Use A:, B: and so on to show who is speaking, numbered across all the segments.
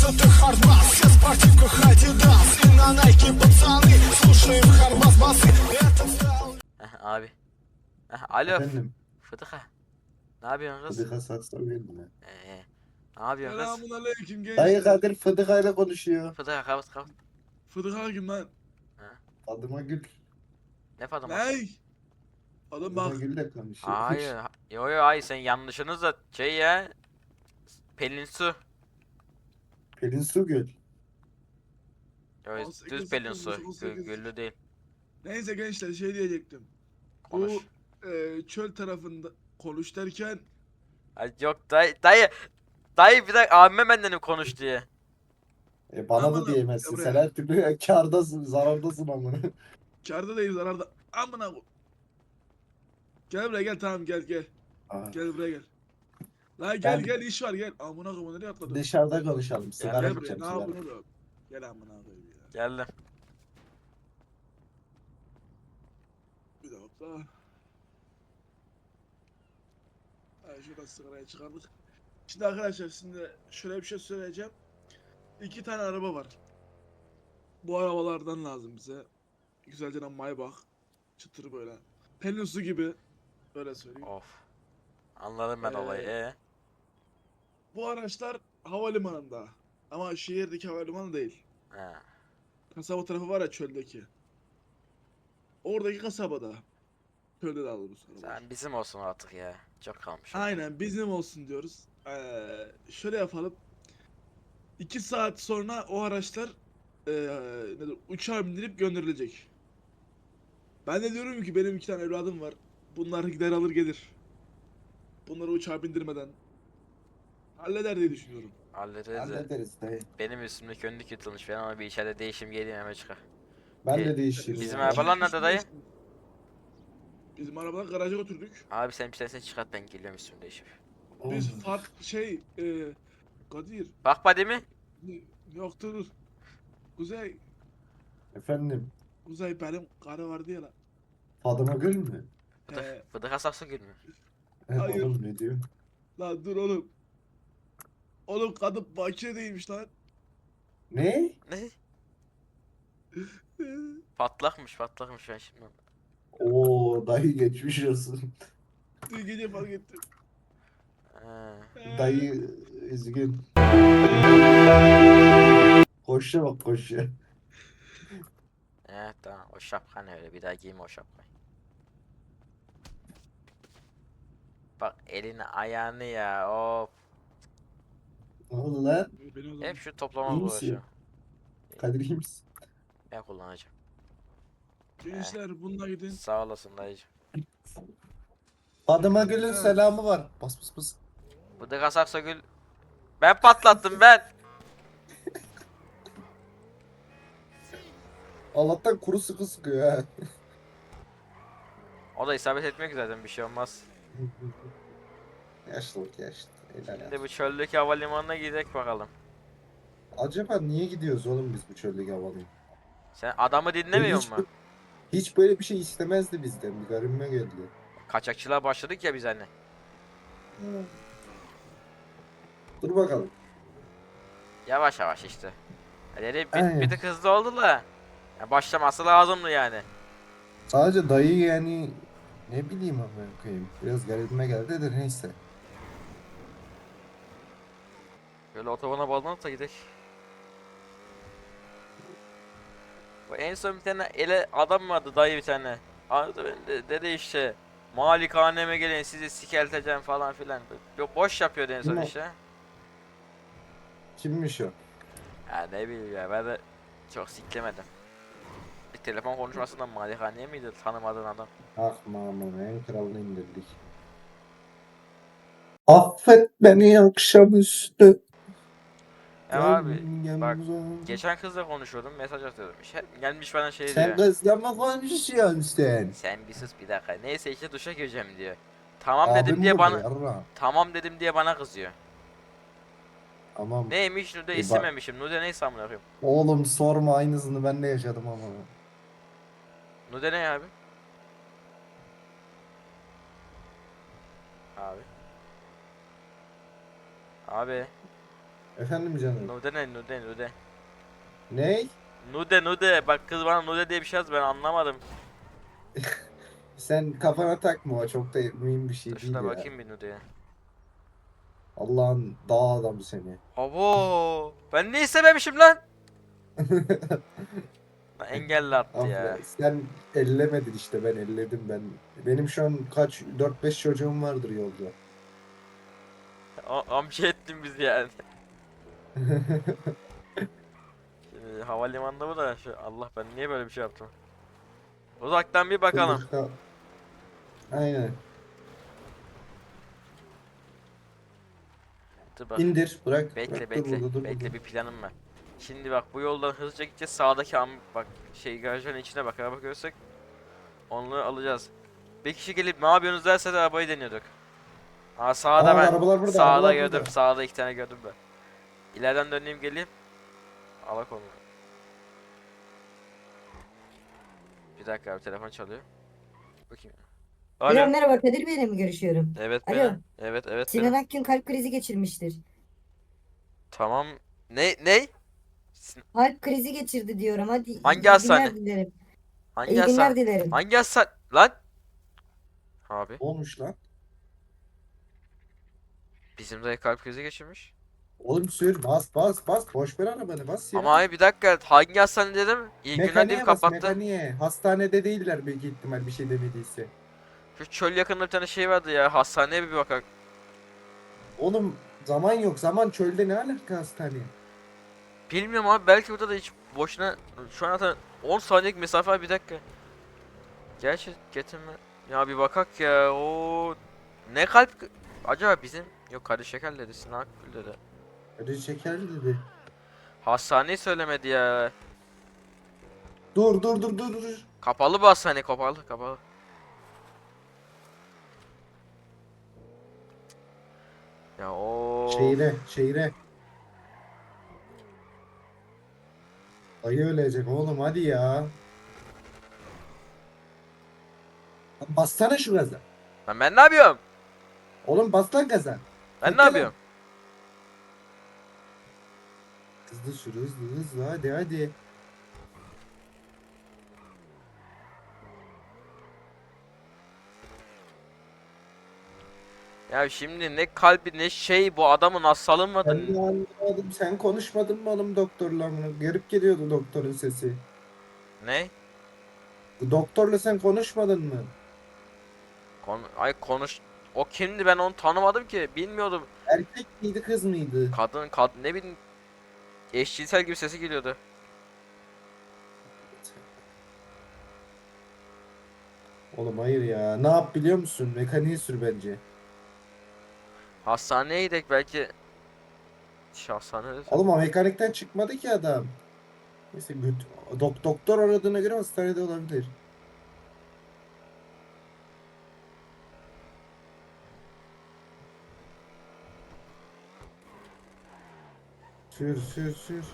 A: это хардбас, все в спортивках Adidas и на Nike пацаны, слушаем хардбас басы. Это стал...
B: Abi. Alo.
C: Efendim,
B: Fıdıka. Ne yapıyorsun kız?
C: Fıdıka sakso verme.
B: Ne yapıyorsun kız?
D: Selamun aleyküm
C: Dayı
D: gençler.
C: Kadir Fıdıka ile konuşuyor.
B: Fıdıka kapat.
D: Fıdık kim lan?
C: Fadıma Gül.
B: Ne Fatıma?
D: Ney? Oğlum
C: Fadıma
D: bak.
C: Gül ile konuşuyor.
B: Hayır. Yo hayır sen yanlışınız da şey ya. Pelin Su.
C: Pelin Su Göl.
B: Yo,
D: 18,
B: düz Pelin Su.
D: 18.
B: Güllü değil.
D: Neyse gençler şey diyecektim.
B: Konuş.
D: Bu çöl tarafında konuş derken
B: Ay, yok dayı. Dayı bir dakika abime benden konuş diye.
C: Bana
D: Aman
C: da diyemezsin.
D: Emre.
C: Sen her türlü kârdasın, zarardasın amına.
D: kârda değil zararda. Amına ko- Gel buraya gel tamam gel.
C: Aa,
D: Gel buraya gel. La gel
C: Ben-
D: gel iş var gel. Amına koyayım nereye atladın?
C: Dışarıda konuşalım. Sigara
D: Gel buraya
C: içeceğim,
D: ne
C: sigara.
D: yapıyorsun oğlum? Gel amına koyayım ya.
B: Geldim.
D: Bir dakika. Şuradan sigarayı çıkardık. Şimdi arkadaşlar şimdi şöyle bir şey söyleyeceğim. İki tane araba var. Bu arabalardan lazım bize. Güzelce Maybach. Çıtır böyle. Pelin Su gibi. Öyle söyleyeyim.
B: Of. Anladım ben olayı.
D: Bu araçlar havalimanında. Ama şehirdeki havalimanı değil.
B: He.
D: Kasaba tarafı var ya çöldeki. Oradaki kasabada. Çölde daha doğrusu arabalar.
B: Sen bizim olsun artık ya. Çok kalmış.
D: Aynen bizim olsun diyoruz. Şöyle yapalım. 2 saat sonra o araçlar uçağa bindirip gönderilecek. Ben de diyorum ki benim 2 tane evladım var. Bunlar gider alır gelir. Bunları uçağa bindirmeden halleder diye düşünüyorum.
B: Hallederiz de.
C: Hallederiz dayı.
B: Benim üstümdeki önlük yırtılmış. Ben ona bir içeride değişim geleyim hemen çıkar.
C: Ben
B: E,
C: de değişirim.
B: bizim
C: ya.
B: arabalar nerede dayı?
D: Bizim arabadan garaja götürdük.
B: Abi sen bir tanesini çıkart ben geliyorum üstümü değişip.
D: Biz
C: Oh.
D: Kadir
B: Bak body mi?
D: yoktur. Kuzey
C: Efendim,
D: benim karı vardı ya lan.
C: Fadıma Gül mü?
B: Fıdık asaksa gül mü?
D: Hayır.
C: Oğlum ne diyor?
D: Lan dur oğlum. Oğlum kadın bakire değilmiş lan.
C: Ne?
B: Ne? Patlakmış ben şimdi.
C: Oo dayı geçmiş olsun.
D: Dün gece fark ettim.
C: Dayı üzgün. Koşa bak koşa.
B: Evet tamam o şapka ne öyle bir daha giyme o şapkayı. Bak elini ayağını ya of.
C: Ne oldu lan?
D: Beni o zaman.
B: Hep şu toplama
C: İyi misin?
B: uğraşıyor.
C: Kadir iyi misin?
B: Ben kullanacağım.
D: Gençler bununla gidin.
B: Sağ olasın dayıcım.
C: Fadıma Gül'ün selamı var. Bas bas bas.
B: Fıdık asaksa gül. Ben patlattım ben.
C: Allah'tan kuru sıkı sıkıyor ha.
B: O da isabet etmiyor ki zaten bir şey olmaz.
C: Yaşlılık yaşlı. Helal
B: Şimdi
C: ya.
B: bu çöldeki havalimanına gidelim bakalım.
C: Acaba niye gidiyoruz oğlum biz bu çöldeki havalı?
B: Sen adamı dinlemiyor
C: Hiç-
B: musun?
C: Hiç böyle bir şey istemezdi bizden. Bir garibime geldi.
B: Kaçakçılığa başladık ya biz hani.
C: Dur bakalım.
B: Yavaş yavaş işte. Dedi
C: Aynen.
B: bir tık hızlı oldu da. Ya başlaması lazımdı yani.
C: Sadece dayı yani ne bileyim ama koyayım. Biraz garibime geldi de neyse.
B: Böyle otobana bağlanıp da gidelim. Bu en son bir tane ele adam vardı dayı bir tane. Anladın mı? Dedi işte malikaneme gelin sizi sikelteceğim falan filan. Boş yapıyordu en son
C: Kim o?
B: işte.
C: Kimmiş o?
B: Ya ne bileyim ya ben de çok siklemedim. Bir telefon konuşmasından malikaneye miydi tanımadığın adam?
C: Ah mamam en kralını indirdik. Affet beni akşamüstü.
B: Ya abi
C: Gel
B: bak
C: uzan.
B: geçen kızla konuşuyordum mesaj atıyordum. Gelmiş bana şey
C: Sen
B: diyor.
C: kızla mı konuşuyorsun sen?
B: Sen bir sus bir dakika. Neyse işte duşa gireceğim diyor. Tamam
C: Abim
B: dedim diye
C: burada
B: bana
C: yarra.
B: tamam dedim diye bana kızıyor.
C: Tamam.
B: Neymiş Nude
C: bak-
B: istememişim. Nude neyse amına koyayım.
C: Oğlum sorma aynısını ben de yaşadım ama.
B: Nude ne abi? Abi. Abi.
C: Efendim canım.
B: Nude ne nude nude.
C: Ney?
B: Nude nude. Bak kız bana nude diye bir şey yazdı ben anlamadım.
C: Sen kafana takma, o çok da mühim bir
B: Dur
C: şey değil
B: şuna
C: ya.
B: bakayım bir nudeye.
C: Allah'ın dağ adamı seni.
B: Abo. Ben ne istememişim lan? Lan engelli attı ya.
C: Sen ellemedin işte, ben elledim ben. Benim şu an kaç, 4-5 çocuğum vardır yolda.
B: Amca ettin bizi yani. Şimdi havalimanında bu da Allah ben niye böyle bir şey yaptım? Uzaktan bir
C: Dur
B: bakalım.
C: dur kal. Aynen.
B: Dur bak.
C: İndir, bırak.
B: Bekle
C: Bırak, dur
B: bekle.
C: burada, dur
B: Bekle
C: burada.
B: bir planım var. Şimdi bak bu yoldan hızlıca gideceğiz. Sağdaki bak garajın içine bak araba görsek onları alacağız. Bir kişi gelip ne yapıyorsunuz derse de arabayı deniyorduk. Aa sağda ben.
C: Arabalar burada,
B: Sağda
C: arabalar
B: gördüm.
C: burada.
B: Sağda 2 tane gördüm ben. İleriden döneyim geleyim. Alak onu. Bir dakika abi telefon çalıyor. Bakayım.
E: Alo,
B: Alo.
E: merhaba, Kadir Bey'le mi görüşüyorum?
B: Evet
E: Alo,
B: benim. Evet evet
E: Sinan
B: benim.
E: Akgün kalp krizi geçirmiştir.
B: Tamam. Ne?
E: Kalp krizi geçirdi diyorum. Hadi
B: Hangi
E: iyi
B: hastane?
E: günler dilerim.
B: Hangi
E: İyi
B: hastane?
E: günler dilerim.
B: Hangi hastane? Lan. Abi.
C: Ne olmuş lan?
B: Bizim dayı kalp krizi geçirmiş.
C: Oğlum sür, bas bas bas. Boş ver arabanı, bas ya.
B: Ama abi bir dakika hangi hastane dedim? İyi günler deyip
C: Mekaniğe bas,
B: kapattı.
C: mekaniğe. Hastanede değiller büyük ihtimal, bir şey demediyse.
B: Şu çöl yakınında bir tane şey vardı ya. Hastaneye bir bakak.
C: Oğlum zaman yok. Zaman çölde ne alaka hastane?
B: Bilmiyorum abi belki burada da hiç boşuna şu an zaten 10 saniyelik mesafe var bir dakika. Gerçi getirme. Ya bir bakak ya. O ne acaba bizim yok kardeş şeker dedi Sinan Akgül dedi.
C: Acı şekerli dedi.
B: Hastaneyi söylemedi ya.
C: Dur dur dur dur dur.
B: Kapalı bu hastane kapalı. Ya o
C: Şehire. Ayı ölecek oğlum, hadi ya. Lan bassana şu gaza.
B: Lan ben ne yapıyorum?
C: Oğlum bas lan gaza.
B: Ben ne
C: Bekle lan.
B: yapıyorum?
C: Hızlı sür, hızlı hadi hadi.
B: Ya şimdi ne kalbi ne şey bu adamın hastalığı mı
C: Ben
B: vardı?
C: de anlamadım. Sen konuşmadın mı oğlum doktorla mı? Garip geliyordu doktorun sesi.
B: Ne?
C: Doktorla sen konuşmadın mı?
B: Ay konuş. O kimdi ben onu tanımadım ki. Bilmiyordum.
C: Erkek miydi, kız mıydı?
B: Kadın ne bileyim. Eşcinsel gibi sesi geliyordu.
C: Oğlum hayır ya. Ne yap biliyor musun? Mekaniği sür bence.
B: Hastaneye gidelim belki. Hastanede.
C: Oğlum o mekanikten çıkmadı ki adam. Neyse doktor aradığına göre hastanede olabilir. Sür.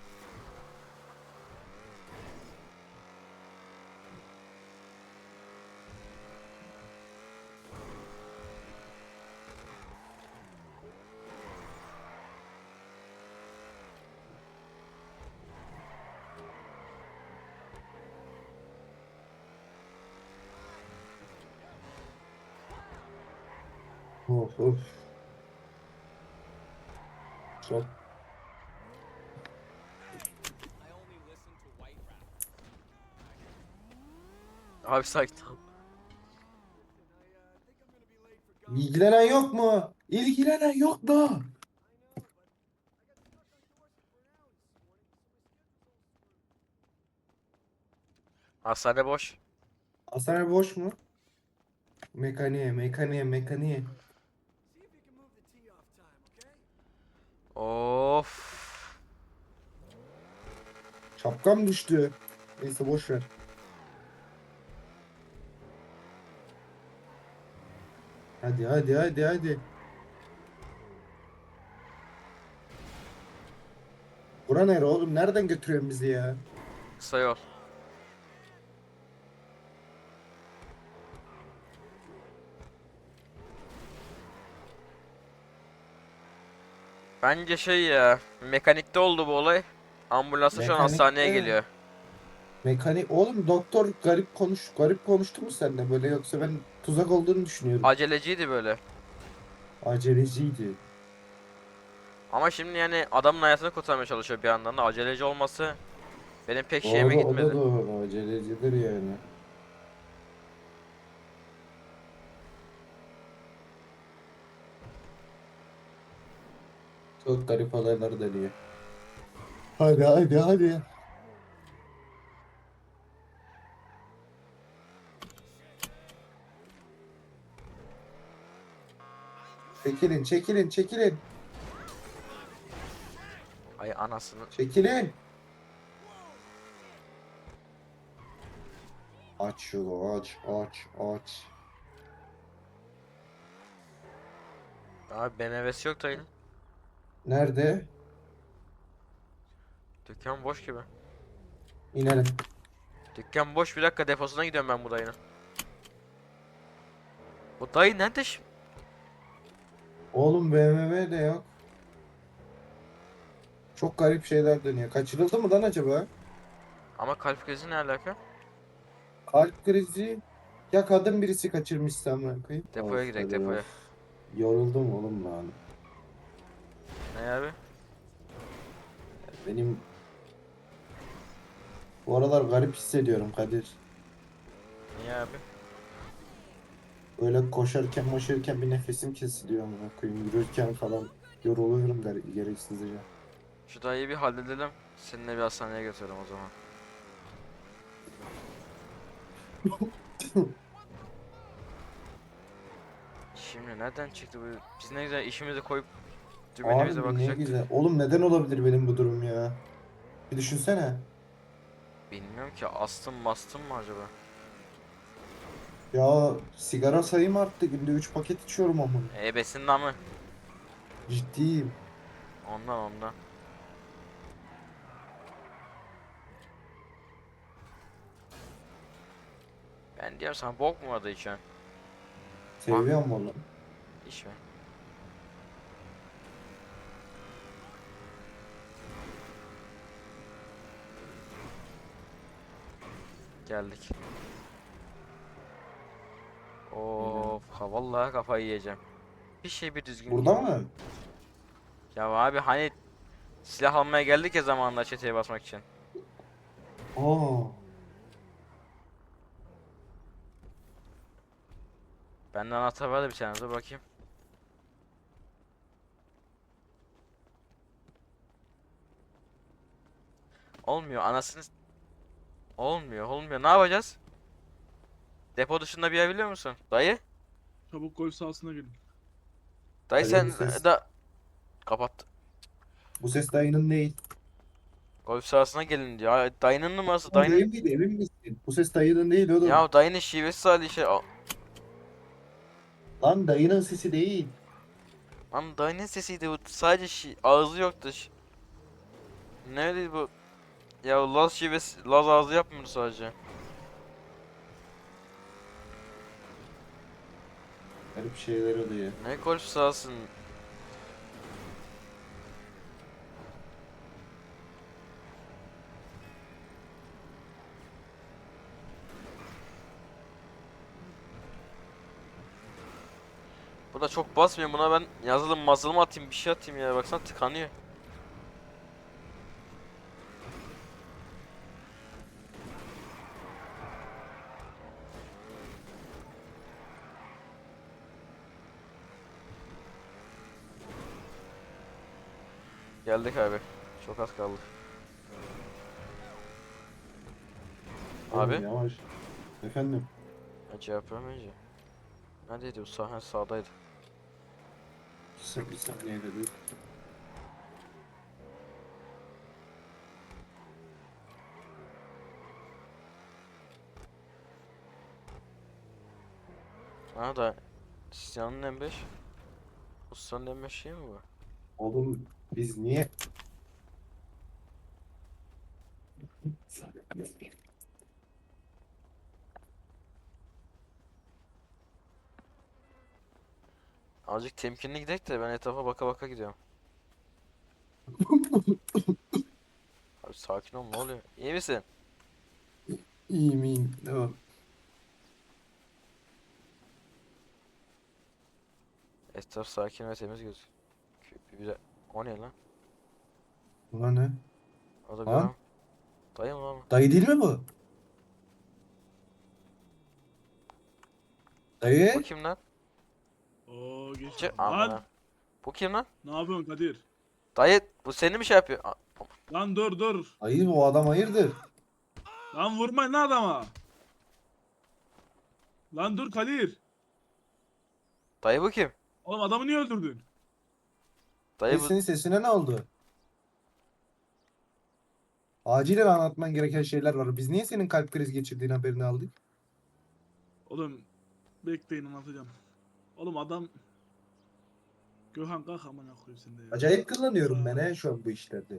C: Of. Çok.
B: Abi sakin ol.
C: İlgilenen yok mu? İlgilenen yok mu?
B: Hastane boş.
C: Hastane boş mu? Mekaniğe.
B: Of.
C: Şapkam düştü. Neyse boş ver. Hadi. Bura nere oğlum? Nereden götürüyorsun bizi ya?
B: Kısa yol. Bence şey ya, mekanikte oldu bu olay. Ambulansa şu an hastaneye
C: Mekanikte-
B: geliyor.
C: Mekanik oğlum, doktor garip konuştu mu seninle böyle, yoksa ben tuzak olduğunu düşünüyorum.
B: Aceleciydi böyle.
C: Aceleciydi.
B: Ama şimdi yani adamın hayatını kurtarmaya çalışıyor bir yandan da aceleci olması benim pek şeyime
C: Doğru, o da
B: gitmedi.
C: doğru, acelecidir yani. Çok garip olaylar dönüyor. Hadi hadi hadi. Çekilin çekilin çekilin.
B: Ay anasını.
C: Çekilin. Aç yolu, aç aç aç.
B: Abi BMW'si yok dayının.
C: Nerede?
B: Dükkan boş gibi.
C: İnelim.
B: Dükkan boş, bir dakika deposuna gidiyorum ben bu dayının. Bu dayı nerede şimdi?
C: Oğlum BMW de yok. Çok garip şeyler dönüyor. Kaçırıldı mı lan acaba?
B: Ama kalp krizi ne alaka?
C: Kalp krizi. Ya kadın birisi kaçırmışsa amına koyayım.
B: Depoya
C: Of
B: gidelim,
C: hadi
B: depoya.
C: of. Yoruldum oğlum lan.
B: Ne abi?
C: Benim bu aralar garip hissediyorum Kadir.
B: Niye abi?
C: Böyle koşarken bir nefesim kesiliyor amına koyayım. Yürürken falan yoruluyorum gereksizce.
B: Şu dayıyı bir halledelim. Seninle bir hastaneye götürelim o zaman. Şimdi nereden çıktı bu? Biz ne güzel işimizi koyup dümenimize
C: Abi ne
B: bakacaktık.
C: güzel. Oğlum neden olabilir benim bu durum ya? Bir düşünsene.
B: Bilmiyorum ki, astım mastım mı acaba?
C: Ya sigara sayım arttı. Günde 3 paket içiyorum amına.
B: Ebesin namı.
C: Ciddiyim.
B: Ondan. Ben diyorum sana, bok mu vardı içen?
C: Seviyorum onu.
B: İş mi? Geldik. Of, ha vallahi kafayı yiyeceğim. Bir düzgün
C: Burada
B: git.
C: mı?
B: Ya abi hani silah almaya geldik ya zamanında çeteye basmak için.
C: Aa.
B: Benden anahtar var da bir tane, dur bakayım. Olmuyor anasını olmuyor, ne yapacağız? Depo dışında bir yer biliyor musun? Dayı?
D: Çabuk golf sahasına gelin.
B: Dayı
C: Alo,
B: sen
C: bu ses.
B: da kapat.
C: Bu ses dayının değil.
B: Golf sahasına gelin diyor. Ay, dayının numarası,
C: Oğlum
B: dayının.
C: değil miydi? Emin misin? Bu ses dayının değil oğlum.
B: Ya dayının şivesi salih şey.
C: Lan dayının sesi değil.
B: Lan dayının sesiydi bu. Sadece ağzı yoktu. Neydi bu? Ya Laz şivesi, Laz ağzı yapmıyordu sadece.
C: Garip şeyler oluyor.
B: Ne golf sahasın? Bu da çok basmıyor, buna ben yazılım atayım, bir şey atayım ya, baksana tıkanıyor. Geldik abi. Çok az kaldı.
C: Oğlum
B: Abi.
C: yavaş. Efendim.
B: Ya cevap vermeyince. Neredeydi bu sahne? Sağdaydı.
C: Bir saniye dedi.
B: Ha da Sistan'ın M5. Ustanın M5 şey mi bu?
C: Oğlum biz niye?
B: Azıcık temkinli gidelim de ben etrafa baka baka gidiyorum. Abi sakin ol, ne oluyor? İyi misin?
C: İyiyim iyiyim. Tamam.
B: Etraf sakin ve temiz gözüküyor. Güzel. O ne lan?
C: Ulan ne?
B: O da bir
C: Lan
B: adam. Dayı mı lan? O?
C: dayı değil mi bu?
B: Bu
C: Dayı?
B: kim lan?
D: Oo geç.
B: Çı
D: Lan
B: amına. Bu kim lan?
D: ne yapıyorsun Kadir?
B: Dayı bu seni mi şey yapıyor?
D: Lan dur.
C: Hayır bu adam hayırdır?
D: Lan vurmayın lan adama. Lan dur Kadir.
B: Dayı bu kim?
D: Oğlum adamı niye öldürdün?
B: Dayı bu...
C: Senin sesine ne oldu? Acilen anlatman gereken şeyler var. Biz niye senin kalp krizi geçirdiğin haberini aldık?
D: Oğlum bekleyin anlatacağım. Oğlum adam Gökhan kalk amına koyayım sen de ya.
C: Acayip kullanıyorum ben he şu an bu işlerde.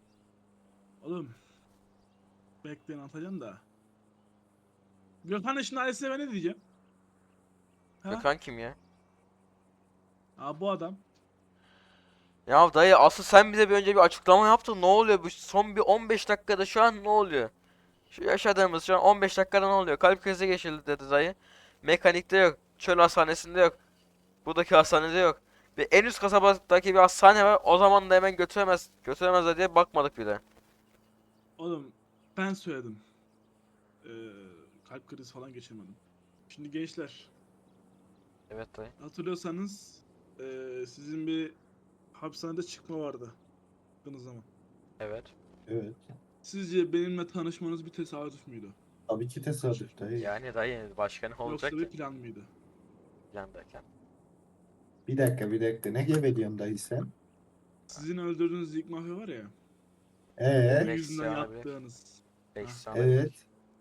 D: Oğlum bekleyin anlatacağım da. Gökhan'ın şimdi ailesine ben ne diyeceğim? Ha?
B: Gökhan kim ya?
D: Ha bu adam.
B: Ya dayı asıl sen bize bir önce bir açıklama yaptın. Ne oluyor bu son bir 15 dakikada şu an ne oluyor? Şu yaşadığımız şu an 15 dakikada ne oluyor? Kalp krizi geçirdi dedi dayı. Mekanikte yok. Çöl hastanesinde yok. Buradaki hastanede yok. Ve en üst kasabadaki bir hastane var. O zaman da hemen götüremezler diye bakmadık bile.
D: Oğlum ben söyledim. Ee, kalp krizi falan geçirmedim. Şimdi gençler
B: Evet dayı.
D: hatırlıyorsanız sizin bir hapishanede çıkma vardı. Baktığınız zaman.
B: Evet.
C: Evet.
D: Sizce benimle tanışmanız bir tesadüf müydü?
C: Tabii ki tesadüf dayı.
B: Yani dayı başka ne olacak
D: Yoksa bir
B: ki?
D: plan mıydı?
B: Yandayken.
C: Bir dakika. Ne gebeliyorsun dayı sen?
D: Sizin öldürdüğünüz ilk mafya var ya. Onun
C: Ee,
D: yüzünden
B: Beş abi.
D: yaptığınız.
B: 5
D: Ha.
B: saniye.
C: evet.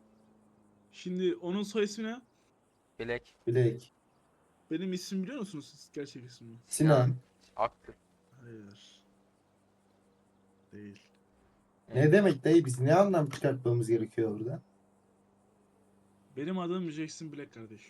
D: Şimdi onun soy ismi ne?
B: Bilek.
C: Bilek.
D: Benim ismimi biliyor musunuz siz? Gerçek ismimi.
C: Sinan.
B: Akgül.
D: Hayır. Değil.
C: Ne demek dayı biz ne anlam çıkartmamız gerekiyor orada?
D: Benim adım Jackson Black kardeşim.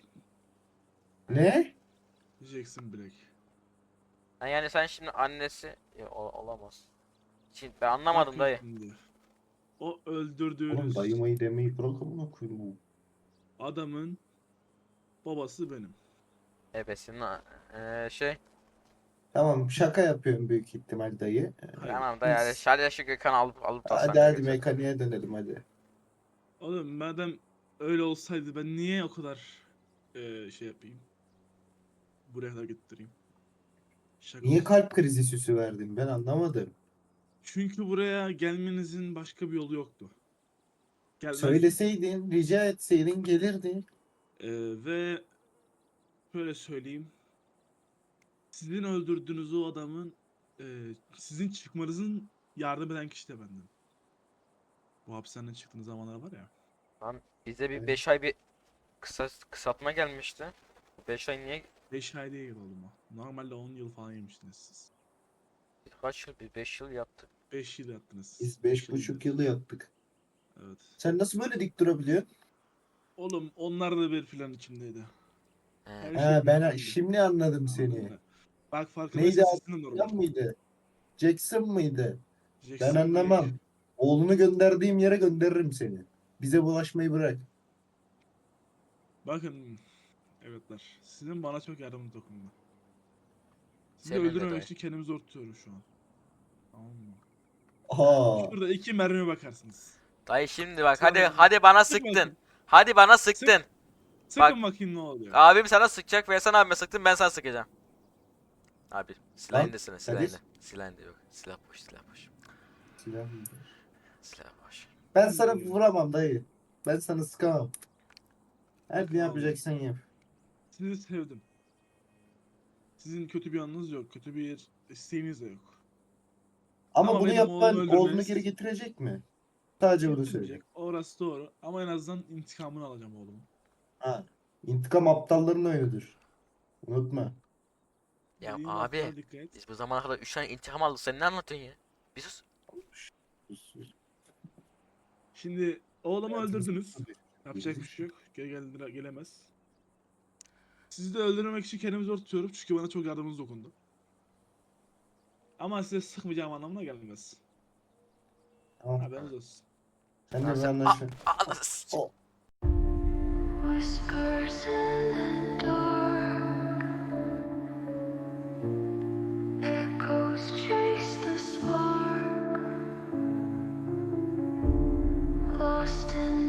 C: Ne?
D: Jackson Black.
B: Ha, yani sen şimdi annesi... Ya, olamaz. Şimdi ben anlamadım
D: Bakın
B: dayı.
D: şimdi. O
C: Oğlum
D: öldürdüğünüz
C: dayımayı demeyi bırakın bunu koyayım.
D: adamın babası benim.
B: Ebesinin şey.
C: Tamam şaka yapıyorum büyük ihtimal dayı.
D: Hayır.
B: Tamam dayı hadi.
C: Biz-
B: Şarja şu Gökhan'ı alıp
C: Hadi
B: hastaneye
C: hadi
B: götür.
C: mekaniğe dönelim hadi.
D: Oğlum madem öyle olsaydı ben niye o kadar şey yapayım? Buraya kadar getireyim. Şaka
C: Niye
D: olsun.
C: kalp krizi süsü verdin ben anlamadım.
D: Çünkü buraya gelmenizin başka bir yolu yoktu. Gelmez.
C: Söyleseydin, rica etseydin gelirdin.
D: Ve şöyle söyleyeyim. Sizin öldürdüğünüz o adamın sizin çıkmanızın yardım eden kişi de bendim. Bu hapishaneden çıktığınız zamanlar var ya.
B: Lan bize bir
C: Evet.
B: 5 ay bir kısaltma gelmişti. 5 ay niye?
D: 5 ay değil oğlum o. Normalde 10 yıl falan yemiştiniz siz.
B: Kaç yıl? Bir 5 yıl yattık.
D: 5 yıl yattınız.
C: Biz
D: Beş
C: 5,5
D: yıl.
C: yılı yaptık.
D: Evet.
C: Sen nasıl böyle dik durabiliyorsun?
D: Oğlum onlar da bir plan içindeydi. Her
B: He.
D: şey
C: He ben
D: planlıydı.
C: şimdi anladım
D: Anladın
C: seni.
D: mı? Bak
C: Neydi
D: farkındaysan sizin de normal.
C: Yan mıydı? Jackson mıydı?
D: Jackson
C: Ben anlamam.
D: Black.
C: Oğlunu gönderdiğim yere gönderirim seni. Bize bulaşmayı bırak.
D: Bakın evetler. Sizin bana çok yardımınız dokundu. Sizi
B: Senin de
D: öldürmemek
B: dayı.
D: için kendimi zor tutuyorum şu an. Tamam mı?
C: Aa.
D: Şurada 2 mermiye bakarsınız.
B: Dayı şimdi bak
D: Sonra-
B: hadi bana
D: Sık
B: sıktın.
D: bakayım.
B: Hadi bana sıktın.
D: Sıkın bakayım ne oluyor.
B: Abim sana sıkacak ve sen abime sıktın ben sana sıkacağım. Abi silah
C: Lan,
B: indesene
C: Kadir.
B: silah indi yok. Silah boş.
C: Silah mı?
B: Silah boş.
C: Ben sana vuramam dayı. Ben sana sıkamam. Her
D: Bakın
C: ne
D: abi.
C: yapacaksan yap.
D: Sizi sevdim. Sizin kötü bir yanınız yok. Kötü bir isteğiniz de yok.
C: Ama
D: Ama
C: bunu
D: benim
C: yapman
D: oğlumu
C: oğlunu
D: öldürmeniz-
C: geri getirecek mi? Sadece bunu söyle.
D: Getirmeyecek. Orası doğru. Ama en azından intikamını alacağım oğlumu.
C: Ha. İntikam aptalların oyunudur. Unutma.
B: Ya
D: Dediğim
B: abi
D: laflara dikkat et.
B: biz bu zamana kadar 3 tane intikam aldık sen ne anlatıyorsun ya? Bir sus.
D: Şimdi oğlumu
C: Hayatımız-
D: öldürdünüz. Yapacak bir şey yok. Gelemez. Sizi de öldürmemek için kendimi zor tutuyorum çünkü bana çok yardımınız dokundu. Ama size sıkmayacağım anlamına gelmez.
C: Tamam.
D: Haberiniz olsun.
C: Sen de
B: Lan
C: bir
B: sen-
C: anlaşın.
B: Anasını s-
C: O-
F: Whispers in the dark, echoes chase the spark, lost in